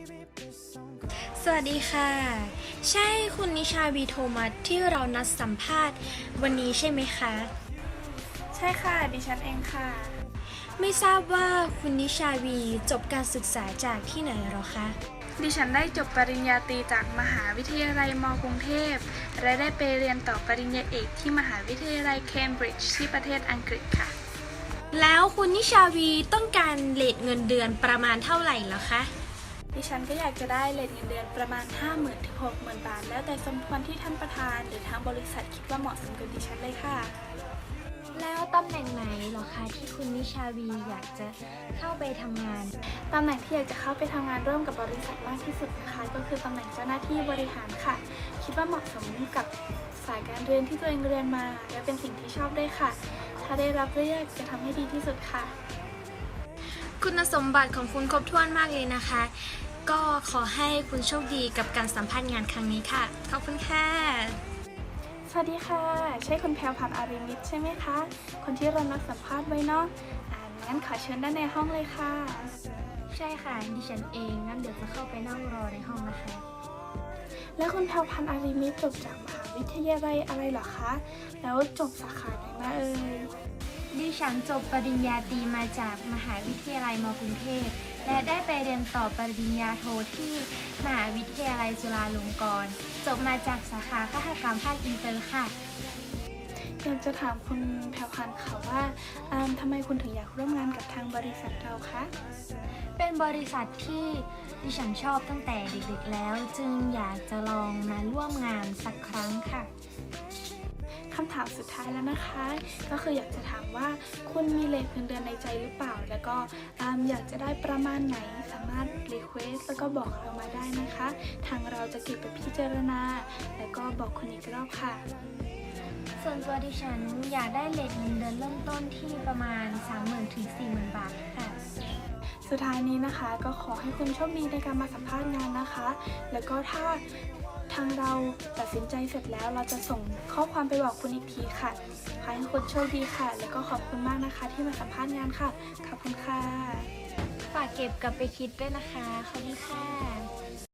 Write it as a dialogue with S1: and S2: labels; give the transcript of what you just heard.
S1: สวัสดีค่ะใช่คุณนิชาวีโทมัสที่เรานัดสัมภาษณ์วันนี้ใช่ไหมคะ
S2: ใช่ค่ะดิฉันเองค่ะ
S1: ไม่ทราบว่าคุณนิชาวีจบการศึกษาจากที่ไหนหรอคะ
S2: ดิฉันได้จบปริญญาตรีจากมหาวิทยาลัยมกรุงเทพและได้ไปเรียนต่อปริญญาเอกที่มหาวิทยาลัยเคมบริดจ์ที่ประเทศอังกฤษค่ะ
S1: แล้วคุณนิชาวีต้องการเรทเงินเดือนประมาณเท่าไหร่เหรอคะ
S2: ดิฉันก็อยากจะได้เรทเงินเดือนประมาณ 50,000 ถึง 60,000 บาทแล้วแต่สมควรที่ท่านประธานหรือทางบริษัทคิดว่าเหมาะสมกับดิฉันเลยค่ะ
S1: แล้วตำแหน่งไหนเหรอคะที่คุณนิชาวีอยากจะเข้าไปทำงาน
S2: ตำแหน่งที่อยากจะเข้าไปทำงานร่วมกับบริษัทมากที่สุดนะคะก็คือตำแหน่งเจ้าหน้าที่บริหารค่ะคิดว่าเหมาะสมกับสายการเรียนที่ตัวเองเรียนมาและเป็นสิ่งที่ชอบด้วยค่ะถ้าได้รับเลือกจะทำให้ดีที่สุดค่ะ
S1: คุณสมบัติของคุณครบถ้วนมากเลยนะคะก็ขอให้คุณโชคดีกับการสัมภาษณ์งานครั้งนี้ค่ะขอบคุณค่ะ
S2: สวัสดีค่ะใช่คุณแพรวพันธ์อาริมิตรใช่ไหมคะคนที่เรานัดสัมภาษณ์ไว้เนาะงั้นขอเชิญด้านในห้องเลยค่ะ
S1: ใช่ค่ะดิฉันเองงั้นเดี๋ยวจะเข้าไปนั่งรอในห้องนะคะ
S2: แล้วคุณแพรวพันธ์อาริมิตรจบจากมหาวิทยาลัยอะไรเหรอคะแล้วจบสาขาไหนมาเอ่ย
S1: ดิฉันจบปริญญาตรีมาจากมหาวิทยาลัยมกรุงเทพและได้ไปเรียนต่อปริญญาโทที่มหาวิทยาลัยจุฬาลงกรณ์จบมาจากสาขาคหกรรมภาคอินเตอร์ค่ะ
S2: อยากจะถามคุณแพรวพันธ์ค่ะว่าทำไมคุณถึงอยากร่วมงานกับทางบริษัทเราคะ
S1: เป็นบริษัทที่ดิฉันชอบตั้งแต่เด็กๆแล้วจึงอยากจะลองมาร่วมงานสักครั้งค่ะ
S2: คำถามสุดท้ายแล้วนะคะก็คืออยากจะถามว่าคุณมีเรทเงินเดือนในใจหรือเปล่าแล้วก็อยากจะได้ประมาณไหนสามารถรีเควสแล้วก็บอกเรามาได้นะคะทางเราจะเก็บไปพิจารณาแล้วก็บอกคุณอีกรอบค่ะ
S1: ส่วนตัวดิฉันอยากได้เรทเงินเดือนเริ่มต้นที่ประมาณ 30,000 ถึง 40,000 บาทค่ะ
S2: สุดท้ายนี้นะคะก็ขอให้คุณโชคดีในการมาสัมภาษณ์งานนะคะแล้วก็ถ้าทางเราตัดสินใจเสร็จแล้วเราจะส่งข้อความไปบอกคุณอีกทีค่ะขอให้คุณโชคดีค่ะแล้วก็ขอบคุณมากนะคะที่มาสัมภาษณ์งานค่ะขอบคุณค่ะ
S1: ฝากเก็บกลับไปคิดด้วยนะคะขอบคุณค่ะ